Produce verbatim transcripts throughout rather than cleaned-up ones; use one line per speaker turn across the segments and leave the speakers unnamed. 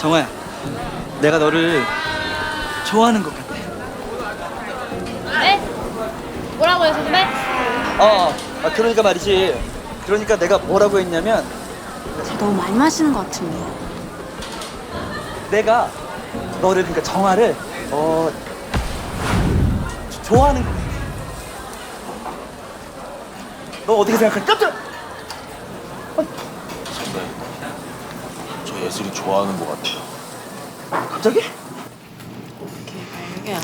정화야, 내가 너를 좋아하는 것 같아.
네? 뭐라고요, 선배?
어, 아, 그러니까 말이지. 그러니까 내가 뭐라고 했냐면
저 너무 많이 마시는 것 같은데.
내가 너를 그러니까 정화를 어 조- 좋아하는 것 같아. 너 어떻게 생각해? 깜짝.
선배, 저 예슬이 좋아하는 것 같아요.
갑자기?
이게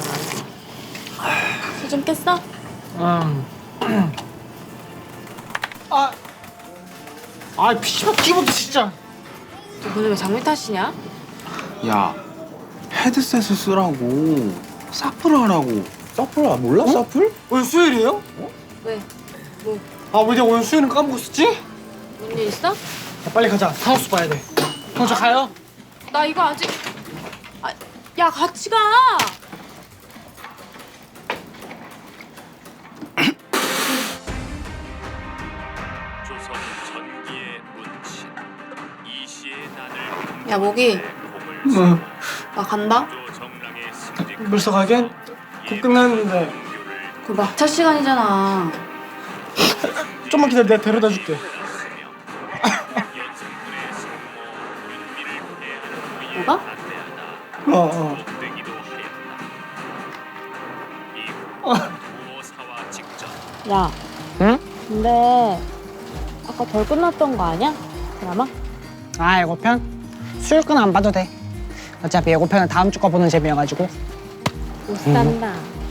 술좀 깼어?
음. 아, 아, 피시방 기분도 진짜.
너 오늘 왜 장미 탓이냐?
야, 헤드셋을 쓰라고. 사플 하라고. 사플 아 몰라? 사플?
오늘 수요일이에요?
왜? 뭐,
아, 왜 내가 오늘 수요일은 까먹었었지?
뭔 일 있어?
야, 빨리 가자. 사우스 봐야 돼. 형, 저 가요?
나 이거 아직... 아, 야, 같이 가!
조선 전기의 문신 이시의 난을
야, 모기.
응.
나 간다?
정랑의 승리
벌써 가긴? 곧 끝났는데.
그 막차 시간이잖아.
좀만 기다려. 내가 데려다 줄게.
뭐가?
어, 어.
되기도 하였다.
어.
무오사와 직전
야,
응?
근데 아까 덜 끝났던 거 아니야? 드라마?
아, 예고편? 수요일 건 안 봐도 돼. 어차피 예고편은 다음 주 거 보는 재미여가지고.
못 산다.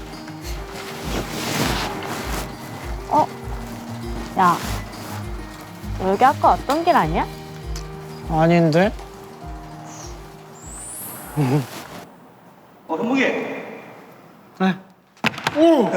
어? 야, 여기 아까 왔던 길 아니야?
아닌데?
어, 현묵이.
네. 오!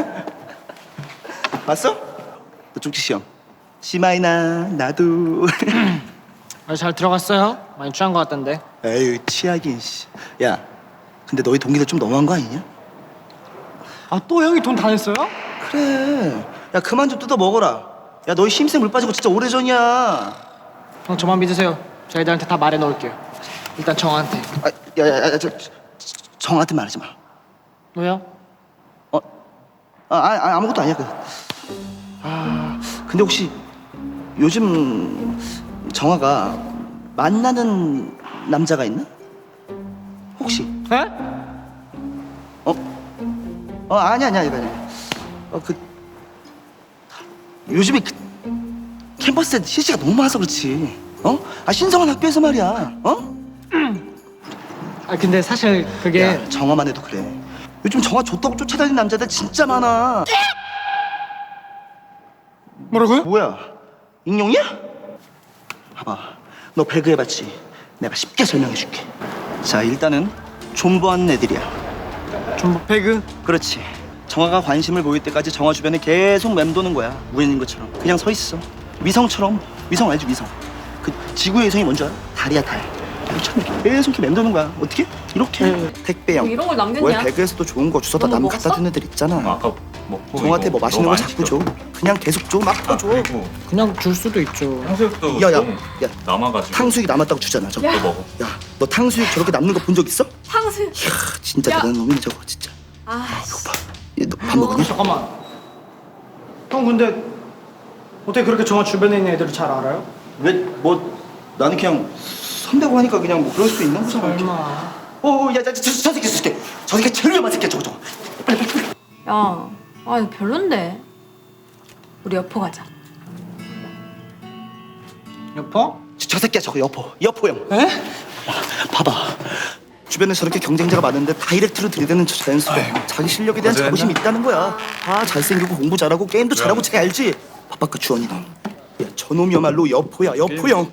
봤어? 너 쪽지 시험. 시마이나 나도.
아, 잘 들어갔어요? 많이 취한 것 같던데.
에휴, 취하긴 씨. 야, 근데 너희 동기들 좀 너무한 거 아니냐?
아, 또 형이 돈 다 냈어요?
그래. 야, 그만 좀 뜯어 먹어라. 야, 너희 힘세 물 빠지고 진짜 오래전이야.
형, 저만 믿으세요. 제가 애들한테 다 말해 놓을게요. 일단 정한테.
아, 야, 야, 야, 저, 저, 정한테 말하지 마.
왜요?
어? 아, 아, 아무것도 아니야. 그. 아, 근데 혹시 요즘 정화가 만나는 남자가 있나? 혹시?
에?
어? 어, 아니야, 아니야, 이거 아니야. 어, 그 요즘에 그 캠퍼스에 실시가 너무 많아서 그렇지. 어? 아, 신성한 학교에서 말이야. 어?
아, 근데 사실 그게
야, 정화만 해도 그래. 요즘 정화 좋다고 쫓아다니는 남자들 진짜 많아.
뭐라고요?
뭐야? 익룡이야? 봐봐, 너 배그 해봤지? 내가 쉽게 설명해줄게. 자, 일단은 존버하는 애들이야.
좀 배그.
그렇지. 정화가 관심을 보일 때까지 정화 주변에 계속 맴도는 거야. 우연인 것처럼 그냥 서 있어. 위성처럼. 위성 알지? 위성. 그 지구의 위성이 뭔지 알아? 달이야, 달. 참 계속 이렇게 맴도는 거야. 어떻게? 이렇게.
네.
택배형.
뭐 이런 걸 남겼냐?
왜 배그에서도 좋은 거 주워다
너무
남
먹었어?
갖다 주는 애들 있잖아.
아까 먹고
정화한테
이거
뭐 맛있는
너무
거
많이
자꾸 줘.
시켰어.
그냥 계속 줘. 막 또 줘.
그리고
그냥 줄 수도 있죠.
탕수육도
야, 야,
좀
야.
남아가지고
탕수육이 남았다고 주잖아. 저거.
또 먹어.
야, 너 탕수육 저렇게 남는 거 본 적 있어?
탕수육.
이야, 진짜
야.
대단한 놈이네 저거 진짜.
아,
너밥 먹니?
잠깐만. 형, 근데 어떻게 그렇게 정화 주변에 있는 애들을 잘 알아요?
왜 뭐 나는 그냥 선배고 하니까 그냥 뭐 그럴 수도 있는 거잖아. 이렇게.
얼마?
어, 어, 야, 저, 저, 저 새끼, 저 새끼, 저 새끼 제일 위험한 새끼야, 저거, 저거. 빨리, 빨리, 빨리.
야, 아 이거 별론데. 우리 여포 가자.
여포?
저, 저 새끼야, 저거 여포, 여포형.
에?
봐봐. 주변에 저렇게 경쟁자가 많은데 다이렉트로 들이대는 저 자연스러워. 자기 실력에 대한
어제
자부심이
했나?
있다는 거야. 아, 잘생기고 공부 잘하고 게임도 잘하고 쟤 알지? 바빠까 주원이 너. 야, 저놈이야말로 여포야, 여포형.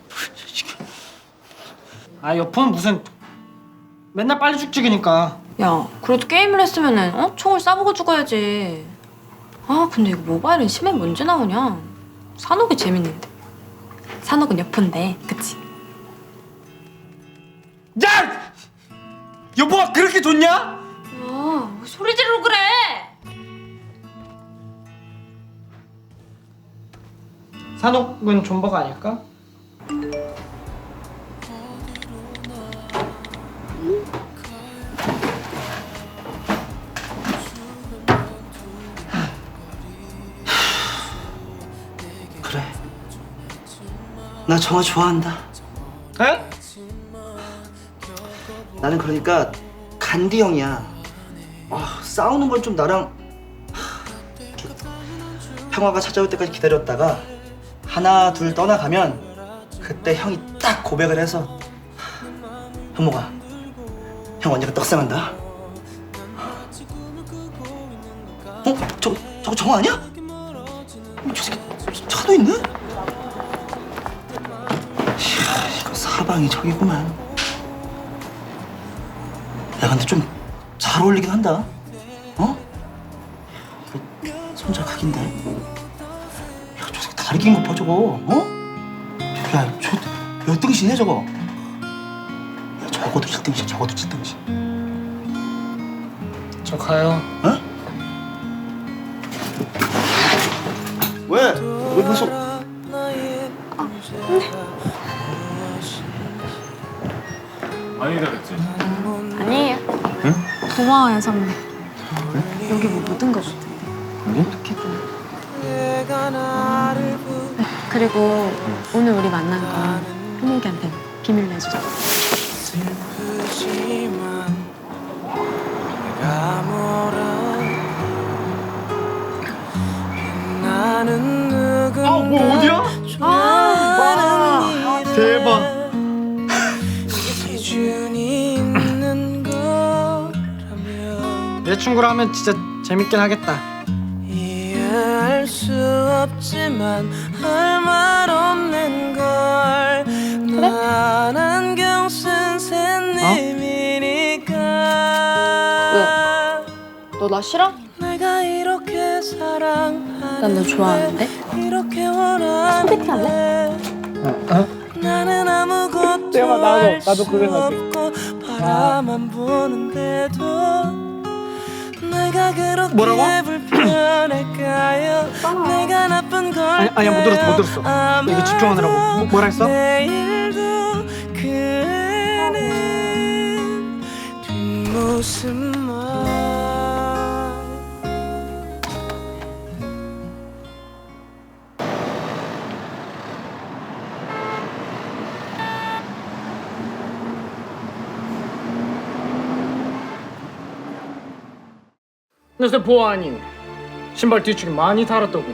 아, 여포는 무슨 맨날 빨리 죽지기니까.
야, 그래도 게임을 했으면은 어? 총을 쏴보고 죽어야지. 아, 근데 이거 모바일은 심해 문제 나오냐? 산옥이 재밌는데. 산옥은 여포인데, 그치?
야! 여보가 그렇게 좋냐?
야, 왜 소리 지르고 그래?
산옥은 존버가 아닐까?
나 정아 좋아한다.
에?
나는 그러니까 간디 형이야. 아, 싸우는 건 좀 나랑 하, 이렇게 평화가 찾아올 때까지 기다렸다가 하나 둘 떠나가면 그때 형이 딱 고백을 해서 현모가 형 언니가 떡상한다. 어? 저, 저거 정아 아니야? 어, 저 새끼 차도 있네? 이야, 이거 사방이 저기구만. 야 근데 좀 잘 어울리긴 한다. 어? 이거 손자 각인데. 야 저 새끼 다리 긴 거 봐 저거. 어? 야 저 몇 등신이야 저거. 야 적어도 칠 등신 적어도 칠 등신.
저 가요.
어? 왜? 왜 벌써?
많이 기다렸지?
아니에요. 응? 고마워요 선배. 여기 뭐 묻은 거 같아.
여기?
이렇게 좀. 네, 그리고 오늘 우리 만난 거 현욱이한테 비밀로 해주자.
아, 뭐 어디야? 아, 대박.
내 친구라면 진짜 재밌긴 하겠다.
이해할 수 없지만 할 말 없는 걸. 난 안경 쓴 샌님이니까.
너 나 싫어?
내가 이렇게 사랑하는데
난 너 좋아하는데?
이렇게 원하는데
소개팅 할래?
어?
나는 아무것도
내가 나도-
할
나도
수
그래, 나도.
없고 바라만 보는데도 내가 그렇게
뭐라고?
불편할까요? 내가 나쁜 걸
아니, 아니야, 못 들었어, 못 들었어. 이거 집중하느라고. 뭐- 뭐라 했어?
내일도 그는 뒷모습만.
근데 보아하니 신발 뒤축이 많이 달았더구나.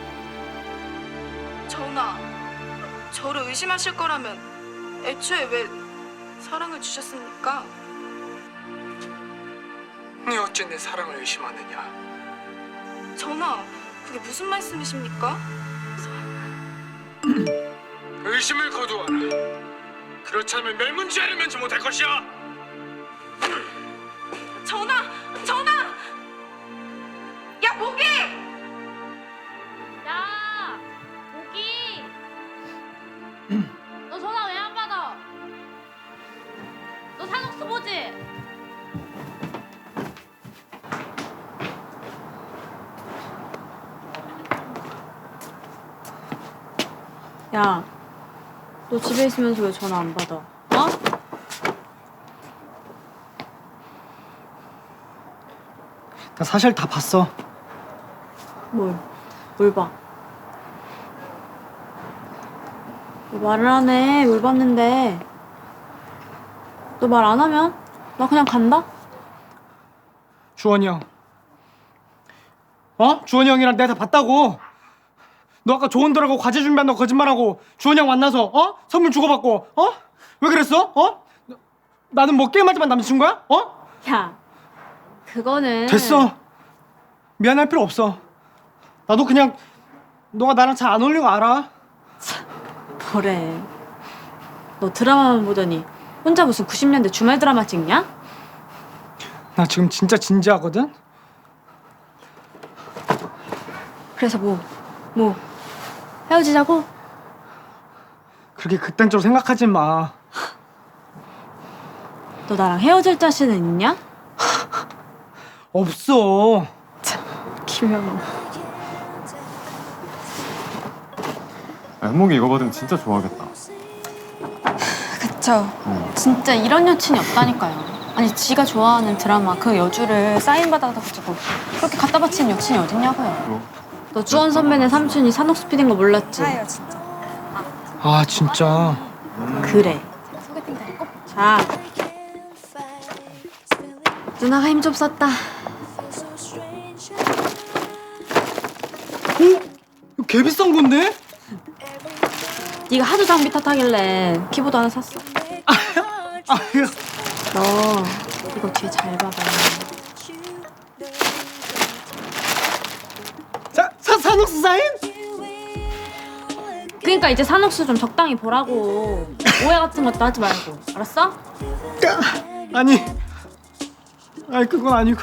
전하, 저를 의심하실 거라면 애초에 왜 사랑을 주셨습니까?
네 어째 내 사랑을 의심하느냐?
전하, 그게 무슨 말씀이십니까?
의심을 거두어라. 그렇지 않으면 멸문지아를 면치 못할 것이야.
전하! 전하! 야, 모기!
야, 모기. 너 전화 왜 안 받아? 너 산옥수 보지?
야, 너 집에 있으면서 왜 전화 안 받아? 어?
나 사실 다 봤어.
뭘? 뭘 봐? 너 말을 안 해. 뭘 봤는데? 너 말 안 하면 나 그냥 간다?
주원이 형. 어? 주원이 형이랑 내가 다 봤다고. 너 아까 조언 들어가고 과제 준비한다고 거짓말하고 주원이 형 만나서 어? 선물 주고받고 어? 왜 그랬어? 어? 나는 뭐 게임하지만 남자친구야? 어?
야, 그거는
됐어. 미안할 필요 없어. 나도 그냥 너가 나랑 잘 안 어울리는 거 알아.
뭐래. 너 드라마만 보더니 혼자 무슨 구십 년대 주말 드라마 찍냐?
나 지금 진짜 진지하거든.
그래서 뭐? 뭐? 헤어지자고?
그렇게 극단적으로 생각하지 마.
너 나랑 헤어질 자신은 있냐?
없어.
김현우.
현목이 이거 받으면 진짜 좋아하겠다.
그쵸. 진짜 이런 여친이 없다니까요. 아니 지가 좋아하는 드라마 그 여주를 사인 받아가지고 그렇게 갖다 바치는 여친이 어딨냐고요.
뭐?
너 주원 선배네 삼촌이 산옥수 피디인 거 몰랐지?
아 진짜.
그래. 자, 누나가 힘 좀 썼다.
이거 개 비싼 건데?
네가 하도 장비 탓하길래 키보드 하나 샀어.
아 이거
너 이거 뒤에 잘 봐봐.
사, 사, 산옥수 사인?
그러니까 이제 산옥수 좀 적당히 보라고. 오해 같은 것도 하지 말고. 알았어?
아니 아니 그건 아니고.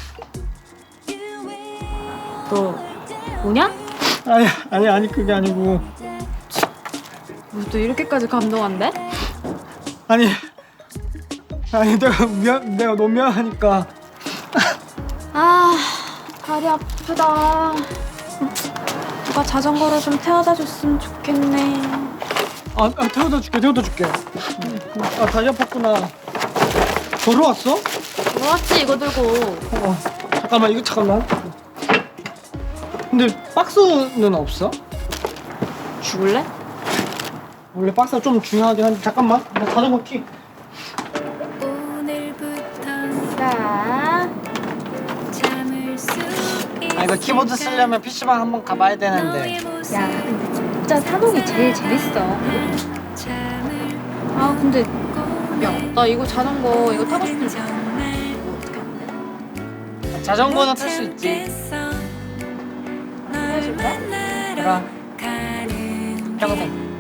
너 뭐냐?
아니 아니 아니 그게 아니고.
뭐 또 이렇게까지 감동한대?
아니 아니 내가 미안 내가 너무 미안하니까.
아, 다리 아프다. 누가 자전거로 좀 태워다 줬으면 좋겠네.
아, 아 태워다 줄게 태워다 줄게. 아 다리 아팠구나. 걸어왔어?
뭐왔지 이거 들고.
어 잠깐만 이거 잠깐만. 근데 박스는 없어?
죽을래?
원래 박스가 좀 중요하긴 한데 잠깐만 나 자전거 키.
자,
아 이거 키보드 쓰려면 피시방 한번 가봐야 되는데.
야, 근데 진짜 산옥이 제일 재밌어. 아, 근데 야, 나 이거 자전거 이거 타고 싶은데 이거 어떻게 안 돼?
자전거는 탈 수 있지.
해줄까?
그럼 평생.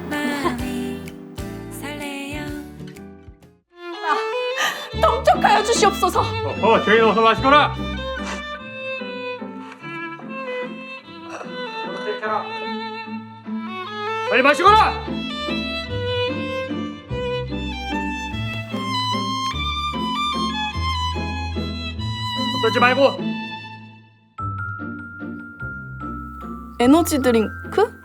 통촉하여 주시옵소서.
어, 죄인 어서 마시거라. 빨리 마시거라. 떨지 말고.
에너지 드링크?